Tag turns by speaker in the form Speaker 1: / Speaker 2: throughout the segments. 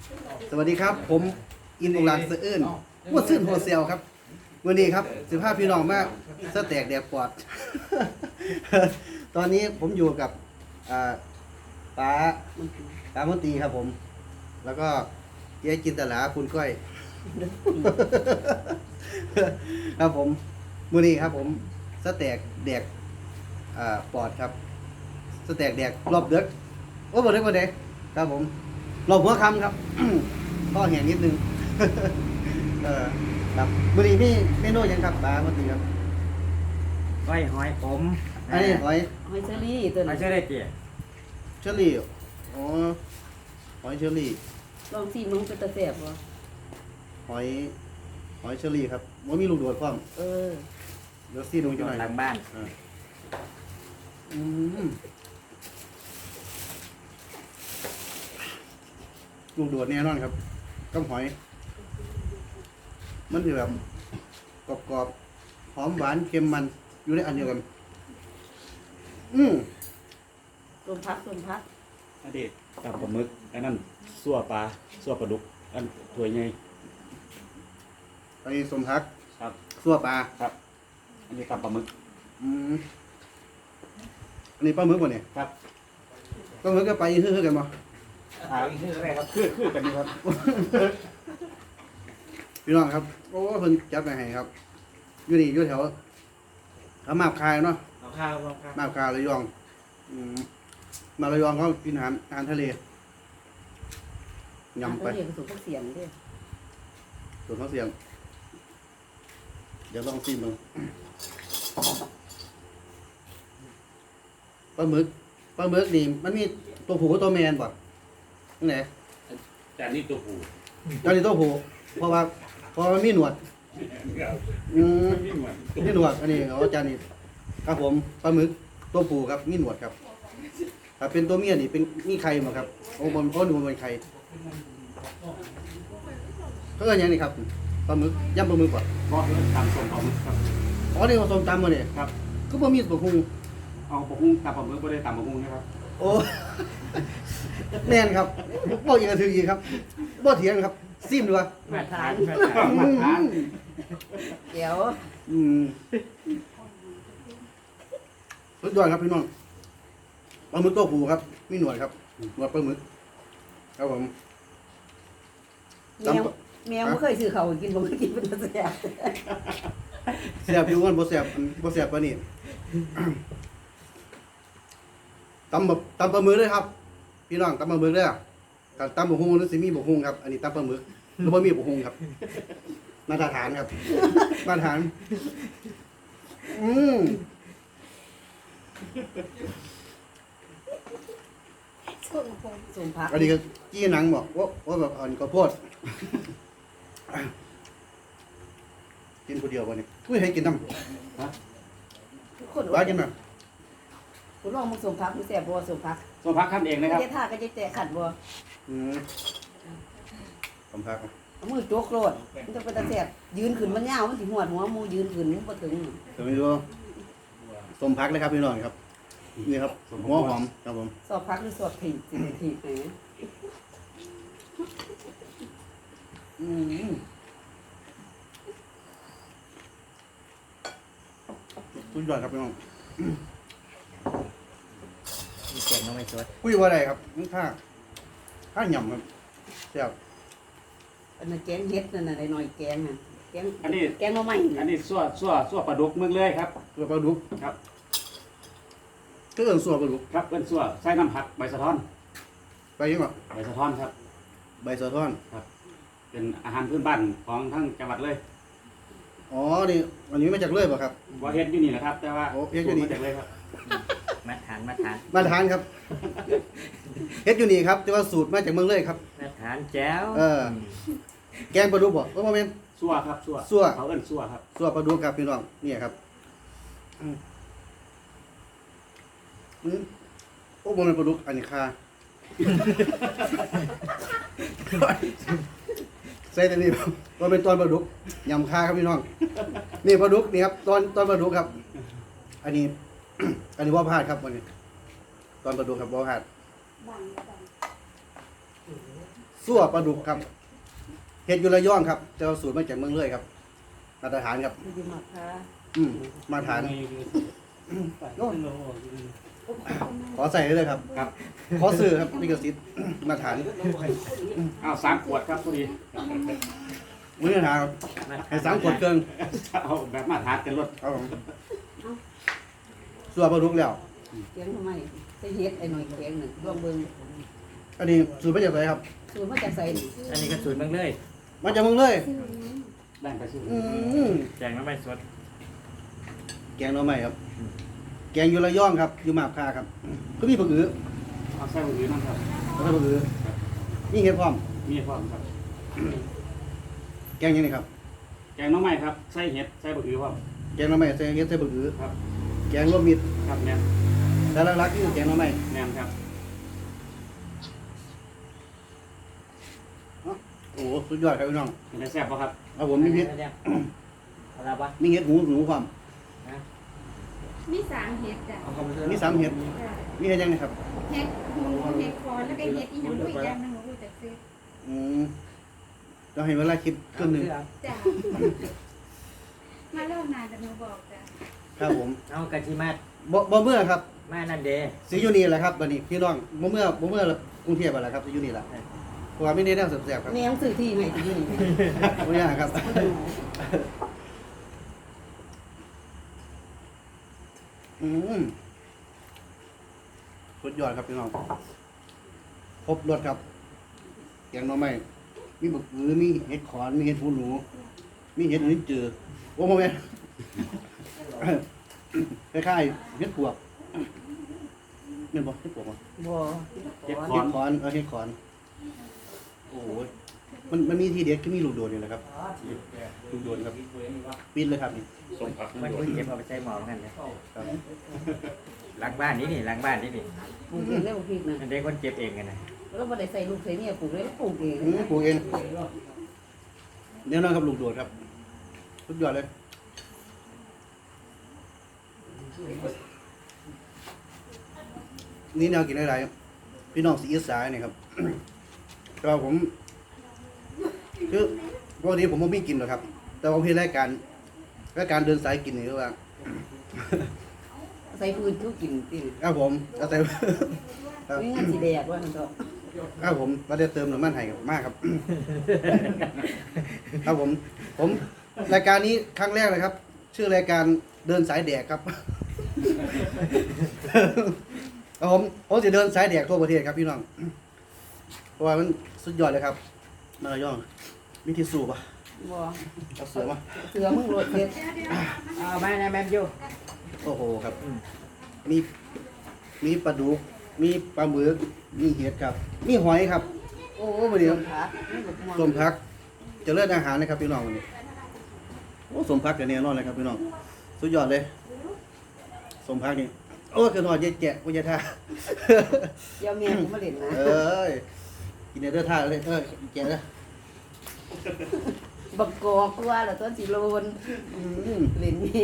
Speaker 1: สวัสดีครับผมอินอุลานเซอื่นวัวซื่นโฮเซลครับวันนี้ครับ15พี่น้องมากสแต็กแดกปอด ตอนนี้ผมอยู่กับป้ามนตรีครับผม แล้วก็เจ๊จินตลาคุณก้อย ครับผมมื้อนี้ครับผมสแต็กแดกปอดครับสแต็กแดกรอบเด็กโอ้บ่เด็กครับผมรอบหัวค่ำครับ ก็แห้งนิดนึง ครับมื้อนี้มีเมนูหยังครับป้ามนตรีครับ
Speaker 2: ก้อยหอยผม
Speaker 1: อันนี้หอย
Speaker 3: หอยเชอรี่ตัว
Speaker 2: ไม่
Speaker 3: นี้
Speaker 2: ใช่ได้เจี๊ย
Speaker 1: เชอรี่อ๋อหอยเชอรี่
Speaker 3: ลองซีมึงเป็นตะแสบบ่
Speaker 1: หอยเชอรี่ครับว่ามีลูกโดดพร้อม
Speaker 3: เออ
Speaker 1: เดี๋ยวซี่ลงจังหน่อย
Speaker 2: หลังบ้าน
Speaker 1: อืมลูกโดดแน่นอนครับกับหอย มันจะแบบกรอบๆหอมหวานเค็มมันอยู่ในอันเดียวกัน
Speaker 3: ลมพัก
Speaker 2: อันนี้ตับปลาหมึกอันนั้นซั่วปลาซั่วปลาดุกอันถ้วยใหญ่
Speaker 1: อันนี้สมพัก
Speaker 2: ครับ
Speaker 1: ซั่วปลา
Speaker 2: ครับอันนี้ตับปลาหมึก
Speaker 1: อันนี้ปลาหมึกวะเนี่ย
Speaker 2: ครับ
Speaker 1: ปลาหมึกก็ไปฮือๆกันบ่
Speaker 2: อีกนิดอะไรครับคือกันนี่ครับ
Speaker 1: พี่น้องครับโอ้เพิ่นจัดไปให้ครับอยู่นี่อยู่แถวเขามาบคายเนาะ
Speaker 2: เอาข้าวเอาข้าว
Speaker 1: มาบคายระยองมาระยองเขากินอาหารทะเล
Speaker 3: ยำ
Speaker 1: ยำไป
Speaker 3: เรียกสูงพวกเสียงด้วย
Speaker 1: ส่วนเขาเสียง เดี๋ยวลองชิมมึงปลาหมึกนี่มันมีตัวผู้กับตัวแมนป่ะนั่นไหน
Speaker 2: แต่นี่ตัวผู้
Speaker 1: ตอนนี้ตัวผู้เพราะว่ามันมีหนวด
Speaker 2: ไม่เหมือน
Speaker 1: มีหนวดอันนี้อาจารย์นี่ครับผมปลาหมึกตัวผู้ครับมีหนวดครับถ้าเป็นตัวเมียนี่เป็นมีไข่หมดครับโอ้บนเพราะดูมันเป็นไข่เขาเรียกยังนี่ครับปลาหมึกย่ำปลาหมึกป่ะ
Speaker 2: เพราะตำส้มปลาหมึกครับ
Speaker 1: อ๋อนี่ผสมตำมาเนี่ย
Speaker 2: ครับ
Speaker 1: ก็บ่มีตัวพุง
Speaker 2: เอาปลาหุ้งตับปลาหมึกไม่ได้ตำปลาหุ้งนะครับ
Speaker 1: โอ้ แน่นครับบ่อีกกระถืออีกครับบ่เถียงครับซิมดูว่า
Speaker 2: มาทานมาทาน
Speaker 3: เดี๋ยว
Speaker 1: สุดยอดครับพี่น้องปลาหมึกตัวผู้ครับมีหนวดครับหนวดปลาหมึกครับผม
Speaker 3: แมวไม่เคยซื้อเขากินบ่เคยกินเป็นตะแสบ
Speaker 1: แซ่บอยู่กันบ่แซ่บปานนี้ ตำปลาหมึกเลยครับ พี่น้องตำปลาหมึกเลยถ้าตำบกฮุงหรือสิมีบกฮุงครับ อันนี้ตำปลาหมึกหรือบ่มีบกฮุงครับมาตรฐานครับมาตรฐาน
Speaker 3: สมพัก
Speaker 1: อันนี้ก็จี้หนังบอกว่าแบบอันข้าวโพดกินคนเดียววันนี้อุ้ยให้กินน้ำ
Speaker 3: ทุกคน
Speaker 1: ว่ากินไหม
Speaker 3: คุณลองมึงสมพักมึงแสบบ่สมพัก
Speaker 2: ส้มพักขั้นเองนะครับ
Speaker 3: เจ๊ท่าก็จะแตะขัดบ่
Speaker 1: ผมพัก
Speaker 3: เอามือโจกโลดมันจะเป็นตะแสบยืนขึ้นมันยาวมันสิหวดหัวมูยืนขึ้นมันบ่ถึง
Speaker 1: แต่ไม่รู้ส้มพักเลยครับพี่น้องครับนี่ครับหัวหอมครับผม
Speaker 3: สอบพักหรือสอบถีบถีบไหน
Speaker 1: สุดยอดครับพี่น้อง
Speaker 2: มีเก่งน้องไม่ชด
Speaker 1: คุยว่าอะไรครับนี่ข้าหย่ำครับแซ่บ
Speaker 3: อันนั้นแกงเฮ็ดนั่นน่ะได้หน่อยแกงน่ะแกง
Speaker 2: อันนี้
Speaker 3: แกงมาใหม่
Speaker 2: อันนี้ซั่วปลาดุกเมืองเลยครับ
Speaker 1: เกลือปลาดุก
Speaker 2: ครับ
Speaker 1: ก็เอิ้นสัวปลาดุก
Speaker 2: ครับเป็นซั่วใส่น้ำผักใบสะท้อน
Speaker 1: ไปยังไง
Speaker 2: ใบสะท้อนครับ
Speaker 1: ใบสะท้อน
Speaker 2: เป็นอาหารพื้นบ้านของทั้งจังหวัดเลย
Speaker 1: อ๋อนี่อันนี้มาจากเลื่อยป่ะครับ
Speaker 2: ว่าเฮ็ดอยู่นี่แหละครับ แต่ว่า
Speaker 1: โอ้เฮ็ดอยู่นี่
Speaker 2: มาจากเลยครับ
Speaker 4: มาทาน
Speaker 1: มาทานครับเฮ็ดอยู่นี่ครับแต่ว่าสูตรมาจากเมืองเลยครับ
Speaker 4: มาทานแจ้ว
Speaker 1: แกงปลาดุกบ่โมเมน
Speaker 2: ซั่วครับซั่ว
Speaker 1: ซั่ว
Speaker 2: เขาเอิ้นซั่วครับ
Speaker 1: สัวปลาดุกครับพี่น้องเนี่ยครับโอ้โมเมนปลาดุกอันนี้คา ใส่แต่นี่ว่าเป็นตอนปลาดุกยำคาครับพี่น้องนี่ปลาดุกนี่ครับตอนปลาดุกครับ อันนี้ อันนี้ว่าพลาดครับวันนี้ ตอนปลาดุกครับว่าพลาดซั่วปลาดุกครับเฮ็ดอยู่ระยองครับแต่ว่าสูตรมาจากเมืองเลยครับมาตรฐานครับ
Speaker 3: มันจะหมักค่ะ
Speaker 1: มาตรฐานขอใส่เลยครับ
Speaker 2: ครับ
Speaker 1: ขอซื้อครับลิขสิทธิ์มาตรฐาน
Speaker 2: อ้าว3ขวดครับพอดี
Speaker 1: มื้อหาครับให้3ขวดเครื่อง
Speaker 2: เอาแบบมาทานกันรถ
Speaker 1: ครับผมซั่วปลาดุกแล้ว
Speaker 3: เกียงทำไมใส่เฮ็ดไอ้หน่อยแกงหนึ่งรวมเบิ่ง
Speaker 1: อันนี้สูตรมาจากไหนครับ
Speaker 3: สูตรมาจากใส่
Speaker 4: อันนี้ก็สูตรเมืองเลย
Speaker 1: มาจากเมืองเลย
Speaker 2: แบ่งไปซื้อ
Speaker 1: อืม
Speaker 4: แจงน้ำไม่สด
Speaker 1: แกงหน่อไม้ครับ แกงอยู่ระยองครับ อยู่มาบคาครับ ก็มีผักอือ
Speaker 2: เอาใส่มือนั่นครับ
Speaker 1: แล้วก็ผักอือนี่เห็ดพร้อม
Speaker 2: มีพร้อมครับ
Speaker 1: แกงยังไงครับ
Speaker 2: แกงน้องใหม่ครับใส่เห็ดใส่บะหือพร้อม
Speaker 1: แกงหน่อไม้ใส่เห็ดใส่ผักอือ
Speaker 2: ครับ
Speaker 1: แกงรวมมิตร
Speaker 2: ครับแม่น
Speaker 1: แต่หลักๆคือแกงหน่อไม้
Speaker 2: แม่นครับ
Speaker 1: โอ้โหสุดยอดครับพี่น้อง
Speaker 2: เป็นไงแซ่บป่ะครับ
Speaker 1: เอาผมมีเห็ด
Speaker 4: อะไรปะ
Speaker 1: มีเห็ดหนูความ
Speaker 5: มีสามเห็ดจ้ะ
Speaker 1: มี3เห็ด มีเห็ดยังไงครับ
Speaker 5: เห็ดหูเห็ดคอนแล้วก็เห็ดอีหยังด้วยอีกอย่างหนึงหนูรู้จักซื้อ
Speaker 1: อืมเราให้เวลาคิดครึ่งหนึง
Speaker 5: จ้ะมาเริ่มนานแต่หนูบอกจ้ะ
Speaker 1: ครับผม
Speaker 4: เอากะทิมา
Speaker 1: บ่เมื่อครับ
Speaker 4: มานั่นเด
Speaker 1: สิอยู่นี่แหละครับบัดนี้พี่น้องบ่เมื่อกรุงเทพฯแหละครับสิอยู่นี่แหละเพราะว่าไม่ได้แนวแซ่บๆครับ
Speaker 3: แม่ยังซื้อที่ให้ที่นี่
Speaker 1: บ่ยากครับ สุดยอดครับพี่น้องครบรสครับแกงหน่อไม้มีบักหือมีเห็ดขอนมีเห็ดหูหนู มีเห็ดลิ้นจือโอ้โหแม่ คล้ายๆเห็ดปวกแม่นบ่เห็ดปวกบ่
Speaker 3: บ่
Speaker 2: เห็ด
Speaker 1: เห็ดขอนเห็ดขอนโอ้ยมันมีทีเด็ดคือมีลูกโดดนี่แหละครับลูกโดดครับปิดเลยครับนี่
Speaker 2: ส่งผัก
Speaker 4: มันก็เก็บเอาไปใช้หมอเหมือนกันนะครับ หลังบ้านนี่หลังบ้านนี่
Speaker 3: ปลูกเองได้บ่พริกนะ
Speaker 4: มันได้คนเก็บเองกันนะ
Speaker 3: แล้วบ่ได้ใส่ลูกใส่เมียปลูกเลยปลูกเอง
Speaker 1: ปลูกเองแน่นอนครับลูกโดดครับสุดยอดเลยนี่แนวกินอะไรพี่น้องสีอีสานเนี่ยครับ แต่ว่าผมคือปกติผมไม่กินหรอกครับ แต่ผมเห็นรายการเดินสายกินนี่คือว่า
Speaker 3: ใส่พื้นทุกกินติ
Speaker 1: ครับผมเอาแต่ ครับ
Speaker 3: มีเงินสิแดกว่าซั่นก็
Speaker 1: ครับผมเราได้เติมน้ำมันให้มากครับ ครับผมรายการนี้ครั้งแรกเลยครับ ชื่อรายการเดินสายแดกครับ ครับผมจะเดินสายแดกทั่วประเทศครับพี่น้องเพราะว่ามันสุดยอดเลยครับมาระยองมีทิชชู่ปะ
Speaker 3: บ่
Speaker 1: เอาเสือมา
Speaker 3: เสือมึงโลดเฮ็ด
Speaker 4: เอามานะแม่ยู
Speaker 1: โอ้โหครับ มีปลาดุกมีปลาหมึกมีเห็ดครับ มีหอยครับ โอ้โหวันนี้
Speaker 3: ผักนี่บักม่วง
Speaker 1: สมพักเจะเลิศอาหารนะครับพี่น้องวันนี้โอ้สมพักกันแน่นอนเลยครับพี่น้องสุดยอดเลยสมพักนี่โอ้คือหนอดเย็ดแกะวิญญาท่า
Speaker 3: เดี๋ยวเมียกูมาเล่นนะ
Speaker 1: เอ้ยกินเนื้อท่าเลยแกะเลย
Speaker 3: บักกอกกว่าแล้วตัวสิโลน
Speaker 1: อืม
Speaker 3: เล่นนี่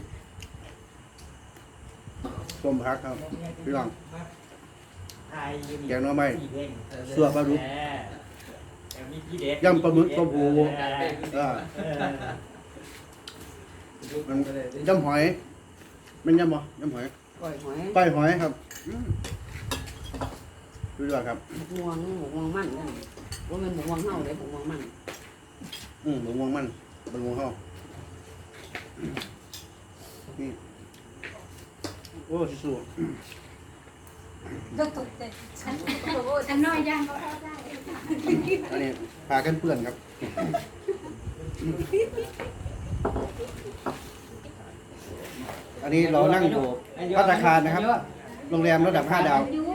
Speaker 1: สมพักครับพี่น้อง
Speaker 4: ไอ้
Speaker 1: แกงหน่อไม้สัวปลาดุก
Speaker 4: มีพี่เด็ด
Speaker 1: ยำปลาหมึกต้มหูมันยำหอยมันยำบ่ยำหอย
Speaker 3: ก้อยหอย
Speaker 1: ก้อยหอยครับสุดยอดครับ
Speaker 3: บักม่วงมันนั่นว่ามันบักม่วงเฮาได้บักม่วงมัน
Speaker 1: บะม่วงมันบะม่วงเฮานี่โอ้ชิสุ
Speaker 5: ตกใจฉันน้อยย่างก็เข้าได้
Speaker 1: อันนี้พากันเปื่อนครับ อันนี้เรานั่งอยู่ภัตตาคารนะครับ โรงแรมระดับ 5 ดาว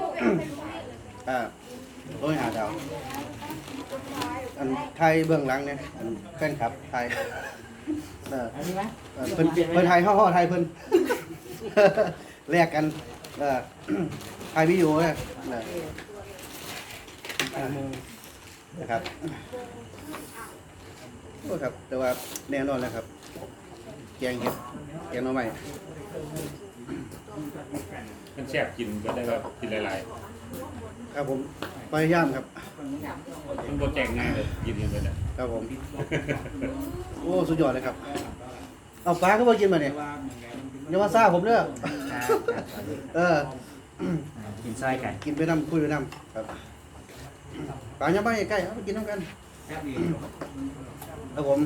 Speaker 1: โอ้ย5 ดาว อันไทยเบื้องหลังเนี่ยอันแฟนคลับไทย
Speaker 4: อันนี้ไหม
Speaker 1: เพิ่นไทยห่อไทยเพิ่น แลกกันไทยวิดีโอเนี่ยนะครับโอ้ครับ แต่ว่าแน่นอนแล้วครับ แกงเห็ดแกงหน่อไม้
Speaker 6: มันแซ่บกินก็ได้แบบกินหลาย
Speaker 1: คครับผมพยายามครับ
Speaker 2: มันโปรแจกง่ายเลยกินกันไปเลย
Speaker 1: ครับผมโอ้สุดยอดเลยครับเอาปลาก็มากินมาเนี่ยอย่ามาซ่าผมเด้อ
Speaker 4: ครับ
Speaker 1: เออ
Speaker 4: กินซอยกัน
Speaker 1: กินไปน้ำคุยไปน้ำครับปลาย่างบ้านใกล้ๆเอาไปกินน้ำกันครับผม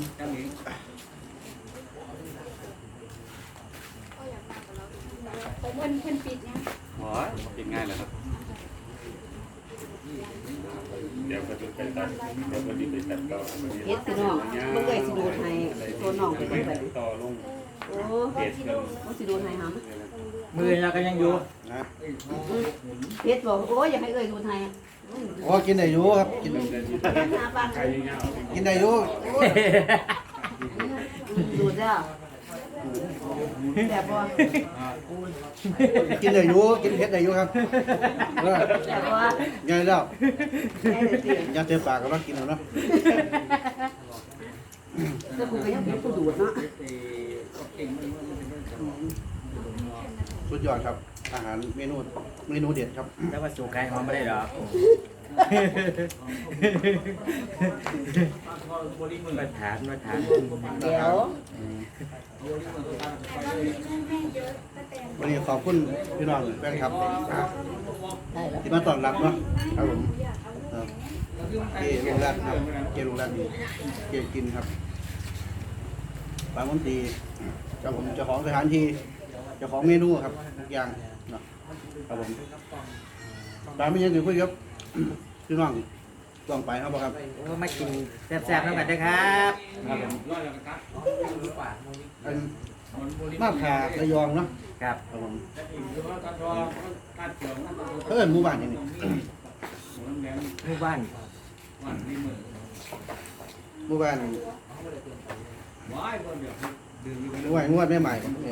Speaker 5: เพิ่นปิดนะ
Speaker 2: อ๋อกินง่ายเลยครับเดี๋ยวก็จะไปตัดเดี๋ยวก็จะไปตัดต่อ
Speaker 3: เฮ็ดพี่น้องเบิ่งเลยสิดูดให้ตัวน้องไปเบิ่งไป
Speaker 2: ต่อลง
Speaker 3: โอ้
Speaker 2: เพจกัน
Speaker 3: บ่สิดูดให้หำ
Speaker 4: มือเราก็ยังอยู่
Speaker 1: นะ
Speaker 3: เฮ็ดบอกโอ้ยอยากให้เอ้ยดูดให้
Speaker 1: โอ้กินได้อยู่ครับกิน
Speaker 3: เฮ็ดหาปาน
Speaker 1: กินได้อยู่
Speaker 3: ดูดแล้วแบบบ่
Speaker 1: กินได้อยู่กินเผ็ดได้อยู่ครับเออ
Speaker 3: แบบบ่
Speaker 1: ไงแล้ว
Speaker 3: แม่เลยสิ
Speaker 1: อยากเต็มปากก็มากินเอาเนาะ
Speaker 3: แต่กูก็ยังเป็นผู้ดูดเนาะ
Speaker 1: สุดยอดครับ อาหารเมนูเด็ดครับ
Speaker 4: แล้วว่าสู่ไก่หอมไม่ได้หรอกมาถาม
Speaker 3: เดี๋ยว
Speaker 1: วันนี้ขอบคุณพี่น้องแฟนครับ
Speaker 3: ได้แล้ว
Speaker 1: ที่มาต้อนรับเนาะครับผมเออเกลุงรัตน์ครับเกลุงรัตน์ดีเกกินครับปลามนตรีเจ้าของสถานที่เจ้าของเมนูครับทุกอย่างเนาะครับผมปลาไม่ยังถึงคุยครับพี่น้องต้องไปครับครับ
Speaker 4: โอ้มากินแซ่บๆน้ำกันด้วยครับ
Speaker 1: ครับผมอันมาผ่าระยองเนาะ
Speaker 4: ครับ
Speaker 1: ครับผมเพิ่นหมู่บ้านอย่างนี้
Speaker 4: หมู่บ้าน
Speaker 1: หมู่บ้านงวดใหม่ๆเนี่ย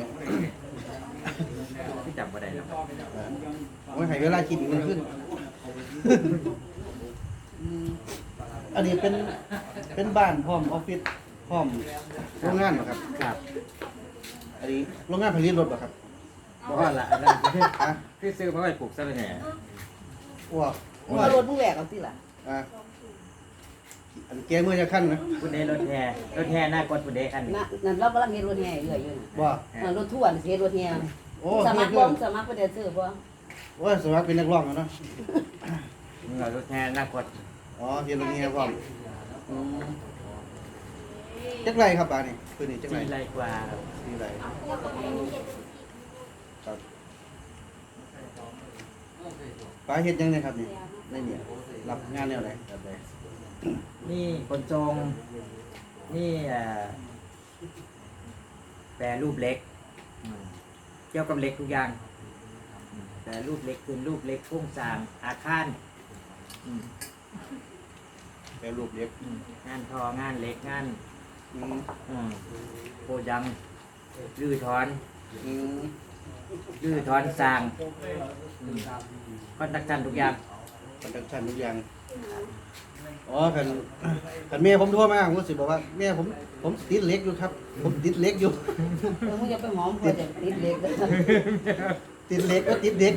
Speaker 4: ที่จำบ่ได้แล้ว
Speaker 1: โอ้ยให้เวลากินอีกมันขึ้น อันนี้เป็นบ้านพร้อมออฟฟิศพร้อมโรงงานเหรอครับ
Speaker 4: ครับ
Speaker 1: อันนี้โรงงานผลิตรถเหรอครับ
Speaker 4: บ่ว่าละอันนั้น
Speaker 1: ฮะ
Speaker 4: คือซื้อมาไว้ปลูกซะเลยแหน่
Speaker 1: ว้าว
Speaker 3: มึงเอารถมึงแหวกเอาสิล่ะ
Speaker 1: อ่ะอันแกมือจะขั้นนะ
Speaker 4: คุณเดรถแห่หน้ากดคุณเดคันนี้
Speaker 3: นั่นเรากำลังเฮ็ดรถแห่เรื่อยอยู่น่ะ
Speaker 1: ว่า
Speaker 3: นั่นรถทั่วนี่สิเฮ็ดรถแห่
Speaker 1: โอ้
Speaker 3: สมั
Speaker 1: เพื่
Speaker 3: ค
Speaker 1: อ
Speaker 3: ร
Speaker 1: น
Speaker 3: บ่สมัครบ่ได้ซื้อบ่
Speaker 1: โอ้ยสมัครเป็นนักร้องแล้วเนาะ
Speaker 4: มึงเอารถแห่หน้ากด
Speaker 1: อ๋อเฮียนโรงเรียนพร้อมอืมจักไรครับบ้านนี่คือนี่จักไร
Speaker 4: 4 ไร่กว่าครับ
Speaker 1: ที่ไรครับป้าเฮ็ดยังไงครับนี่ในเนี่ยรับงานแนวไหนครับใด
Speaker 4: นี่คนทรงนี่แปรรูปเล็กเกี่ยวกับเล็กทุกอย่างแปรรูปเล็กคือรูปเล็กโครงสร้างอาคารอืม
Speaker 1: แปรรูปเล็บ
Speaker 4: งานทองานเล็กงาน
Speaker 1: อืม
Speaker 4: โกยังรื้อถอน
Speaker 1: อืม
Speaker 4: รื้อถอนสร้างคอนดักชันทุกอย่าง
Speaker 1: คอนดักชันทุกอย่างอ๋อคันเมียผมโทรมาผมสิบอกว่าเมียผมติดเหล็กอยู่ครับ ผมติดเหล็กอยู่
Speaker 3: มึงอย่าไปหอมเพิ่นเดี๋ยวติดเล็กเด้อ
Speaker 1: ติดเหล็กก็ติดเด็ก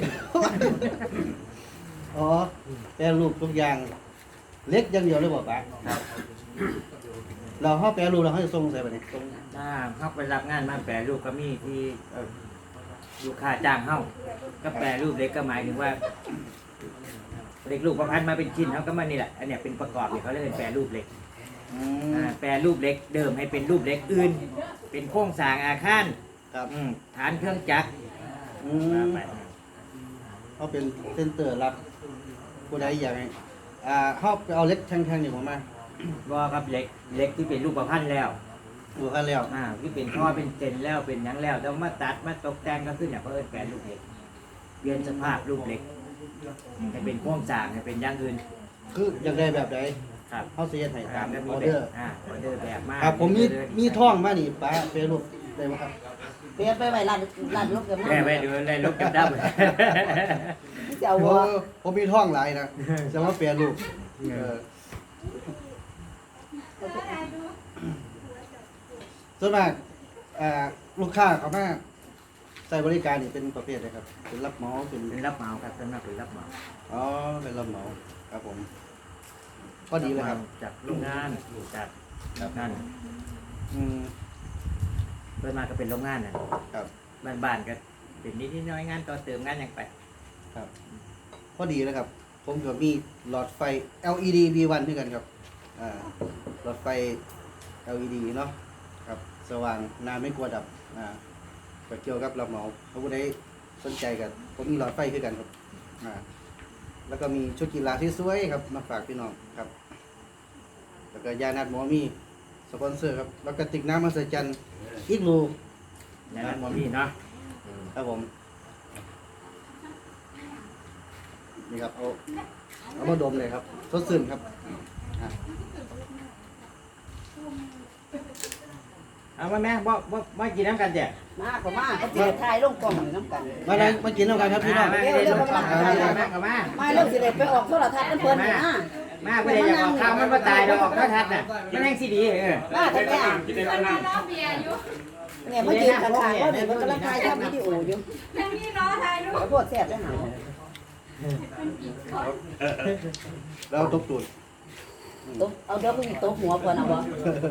Speaker 1: อ๋อแปรรูปทุกอย่างเหล็กอย่างเดียวเลยบอกป้า
Speaker 4: ครับ
Speaker 1: เราเข้าแปรรูปเราให้ส่งใส่ไปนี่ส่ง
Speaker 4: ถ้าเข้าไปรับงานมาแปรรูปก็มีที่ลูกค้าจ้างเข้าก็แปรรูปเล็กก็หมายถึงว่าเล็กลูกประพันธ์มาเป็นชิ้นเขาก็มานี่แหละอันเนี้ยเป็นประกอบเนี่ยเขาเรียกเป็นแปรรูปเล็ก
Speaker 1: อืม
Speaker 4: แปรรูปเล็กเดิมให้เป็นรูปเล็กอื่น เป็นโครงสร้างอาคาร
Speaker 1: ครับ
Speaker 4: ฐานเครื่องจักร
Speaker 1: อืมเขาเป็นเซ็นเตอร์รับผู้ใดอยากให้เขาไปเอาเหล็กแท่งๆนี่ผมมา
Speaker 4: ว่าครับเล็กที่เป็นรูปประพันธ์แล้ว
Speaker 1: ดูกันแล้ว
Speaker 4: ที่เป็นท่อเป็นเจนแล้วเป็นหยังแล้วแล้วมาตัดมาตกแต่งก็ขึ้นเนี่ยเพื่อแปลรูปเล็กเปลี่ยนสภาพรูปเล็กให้เป็นโครงสร้างให้เป็นอย่างอื่น
Speaker 1: คืออยากได้แบบใด
Speaker 4: ครับ
Speaker 1: เขาเสียให้ตาม
Speaker 4: แล้ว
Speaker 1: อ
Speaker 4: มี
Speaker 1: อ
Speaker 4: แบ
Speaker 1: เดอบ ร์
Speaker 4: ออเดอร์แบบมาก
Speaker 1: ครับผมมีท่องมานี่ป้าแปรรูปได้ไหมครับ
Speaker 3: เปลี่ยนไปไว้ร้านรถกับ
Speaker 4: แม่ไปดูในรถกันดับ
Speaker 3: จะเอา
Speaker 1: โอ้
Speaker 3: บ่
Speaker 1: ผมมีท่องหลายนะจะมาแปรรูปส่วนมากลูกค้าเขามาใส่บริการนี่เป็นประเภทอะไรครับเป็นรับเหมาเป็น
Speaker 4: เป็นรับเหมาครับส่วนมากเป็นรับเหมา
Speaker 1: อ๋อเป็นรับเหมาครับผมพอดีเลยครับ
Speaker 4: จากโรงงานจากนั่น
Speaker 1: อืม
Speaker 4: เพิ่นมาก็เป็นโรงงานน่ะ
Speaker 1: ครับ
Speaker 4: บ้านๆก็เป็นนิดๆน้อยๆงานต่อเติมงานหยังไป
Speaker 1: ครับพอดีเลยครับ ผมก็มีหลอดไฟ LED V1 ด้วยกันครับหลอดไฟ LED เนาะครับสว่างนานไม่กลัวดับก็เกี่ยวกับรับเหมาถ้าผู้ใดสนใจกันผมมีหลอดไฟด้วยกันครับแล้วก็มีชุดกีฬาที่สวยๆครับมาฝากพี่น้องครับ แล้วก็ยานัดหมอมีสปอนเซอร์ครับแล้วก็ติกน้ำมาใส่จันอีกรู
Speaker 4: อย่างนั้นบ่มีเนาะ
Speaker 1: ครับผมนี่ครับเอามาดมเลยครับสดชื่นครับอ่ะ
Speaker 4: เอามาแม่บ่กินน้ำกันแจ้ะ
Speaker 3: มาก็มาเขาสิได้ถ่ายลงกล่องอยู่น้ำกัน
Speaker 1: มาเลยมากินแล้วกันครับพี่น้อง
Speaker 4: มา
Speaker 3: เร็วๆกำลัง
Speaker 4: เข้ามา
Speaker 3: มาเร็วสิได้ไปออกโทรทัศน์เพิ่นนี่นะ
Speaker 4: มาเพื่อจะออกข่าวมันมาตายเราออกโทรทัศน์น่ะมันยังสิดี
Speaker 3: มาแต่แม่
Speaker 5: คนมาล้อเบียร์อยู่
Speaker 3: เนี่ยมายืนข้างๆว่าเนี่ยมันกำลังถ่ายทำวิดีโออยู่
Speaker 5: ทั้งนี้น้อถ่ายรูป
Speaker 3: ขอโทษแซ่บได้หา
Speaker 1: แล้วตบตูด
Speaker 3: ตบเอาเดี๋ยวกูสิตบหัวเพิ่นเอาบ่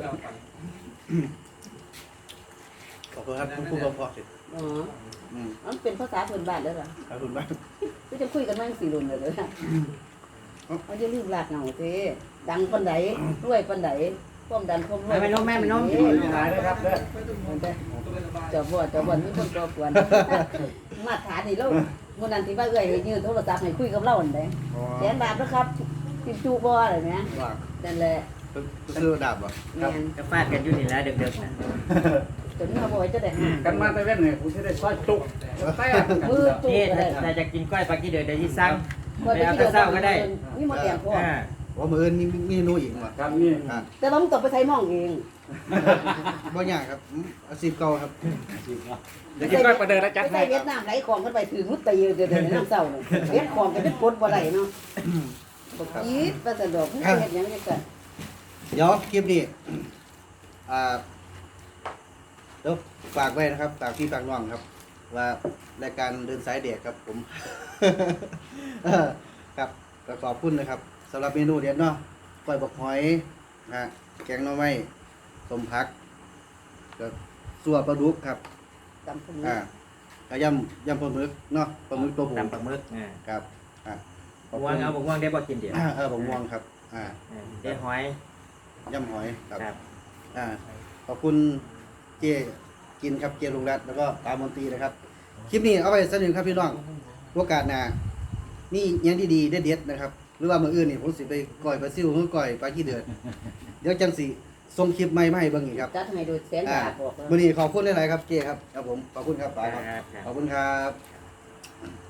Speaker 1: ขอบคุณครับคุณครูกพอสิ
Speaker 3: อ๋อมันเป็นภาษาพื้นบ้านเด้อล่ะ
Speaker 1: ขอบคุณมาก
Speaker 3: ก็จะคุยกันมา4รุ่นเลยเด้อเอาอย่าลืมลากเหงาเด้ดังปานใดรวยปานใดความดันความรวย
Speaker 4: ไม่น้มแม่ไม่น้ม
Speaker 1: หายเลยครับเด้อ
Speaker 3: เจ้าบ่มีคนก่อกวนมาถามนี่แล้วมื้อนั้นที่ว่าเอ้ยให้ยืมโทรศัพท์ให้คุยกับเราอันใดแสนบาทนะครับติดจูบ่อะไรแหม
Speaker 1: ว่า
Speaker 3: นั่นแหละ
Speaker 1: ซื้อดาบเหรอ
Speaker 3: แม่น
Speaker 4: ก็ฟาดกันอยู่นี่แหละดึกๆน่ะ
Speaker 3: จนมาบ่จะได้หา
Speaker 2: กันมาแต่เว้นเนี่ยผมจะได้ซอยจุกแต่
Speaker 3: มือจุก
Speaker 4: นี่
Speaker 3: ก็ได้
Speaker 4: ถ้าจะกินก้อยปลากี้เดือดที่สั่ง
Speaker 3: บ่ได้ที่เช้าก็ได้มีหมดแดงพอ
Speaker 1: ว่ามืออื่นมีเมนูอีกว่ะ
Speaker 2: ครับนี่
Speaker 3: แต่ว่ามึงต้องไปใช้หม้องเอง
Speaker 1: บ่ยากครับอาชีพเก่าครับ
Speaker 2: เดี๋ยวกินก้อยประเดินแล้วจัด
Speaker 3: ไป
Speaker 2: ให้
Speaker 3: ใส่เวียดนามไหลของกันไปถือมุดตีเดี๋ยวๆน้ำเศร้านี่เฮ็ดของกันเป็นกดบ่ได้เนาะบ่คิดว่าจะดอกมึงเฮ็ดหยังจังซั่น
Speaker 1: เดี๋ยวคลิปนี้เดี๋ยวฝากไว้นะครับฝากพี่ฝากน้องครับ ว่ารายการเดินสายเด็กครับผม ครับก็ขอบคุณนะครับสำหรับเมนูเด็ดเนาะก้อยบกหอยแกงหน่อไม้ต้มผักก็สัวปลาดุกครับ
Speaker 3: ตำพุ่น
Speaker 1: ก็ยำปลาหมึกเนาะปลาหมึกตัวผู้
Speaker 4: ตำปลาหมึก
Speaker 1: ครับขอบ
Speaker 4: ม่ว
Speaker 1: คุ
Speaker 4: ง
Speaker 1: ณ
Speaker 4: เอาม่วงได้บ่กินเดี๋ยว
Speaker 1: ผมม่วงครับ
Speaker 4: ได้หอย
Speaker 1: ยำหอยครับ
Speaker 4: ครับ
Speaker 1: ขอบคุณเจกินครับเจลุงรัตน์แล้วก็ตามนตรีนะครับคลิปนี้เอาไปสนุนครับพี่น้องโอกาสหน้านี่ยังดีๆเด็ดๆนะครับหรือว่ามื้ออื่นนี่ผมสิไปก่อยปลาซิวหรือก่อยปลาขี้เดือดเดี๋ยวจังสิส่งคลิปใหม่มาให้เบิ่งอีกครับ
Speaker 3: จัดให้โดยแสงดาบบอก
Speaker 1: มื้อนี้ขอบคุณหลายๆครับเจครับครับผมขอบคุณครับป๋าครับ
Speaker 4: ครับ
Speaker 1: ขอบคุณครับ